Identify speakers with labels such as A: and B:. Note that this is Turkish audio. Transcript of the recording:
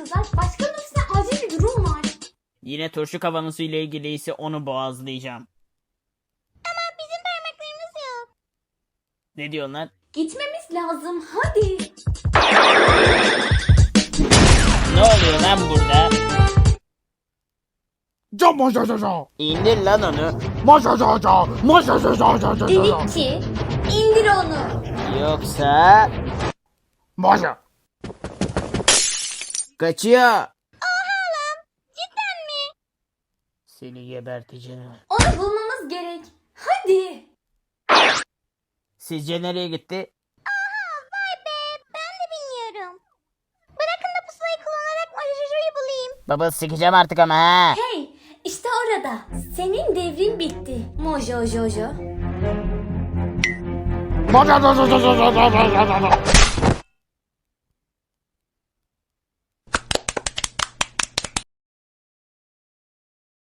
A: kızlar. Başkanın ofisinde acil bir durum var.
B: Yine turşu kavanozu ile ilgili ise onu boğazlayacağım.
C: Ama bizim parmaklarımız yok.
B: Ne diyorsun lan?
A: Gitmemiz lazım. Hadi.
B: Ne oluyor lan burada? İndir lan onu.
A: Delikçi. İndir onu.
B: Yoksa... Kaçıyor.
C: Cidden mi?
B: Seni geberteceğim.
A: Onu bulmamız gerek. Hadi.
B: Sizce nereye gitti?
C: Vay be, ben de bilmiyorum. Bırakın da pusulayı kullanarak Mojojo'yu bulayım.
B: Baba sikeceğim artık ama ha.
A: Hey, işte orada. Senin devrin bitti. Mojo Jojo.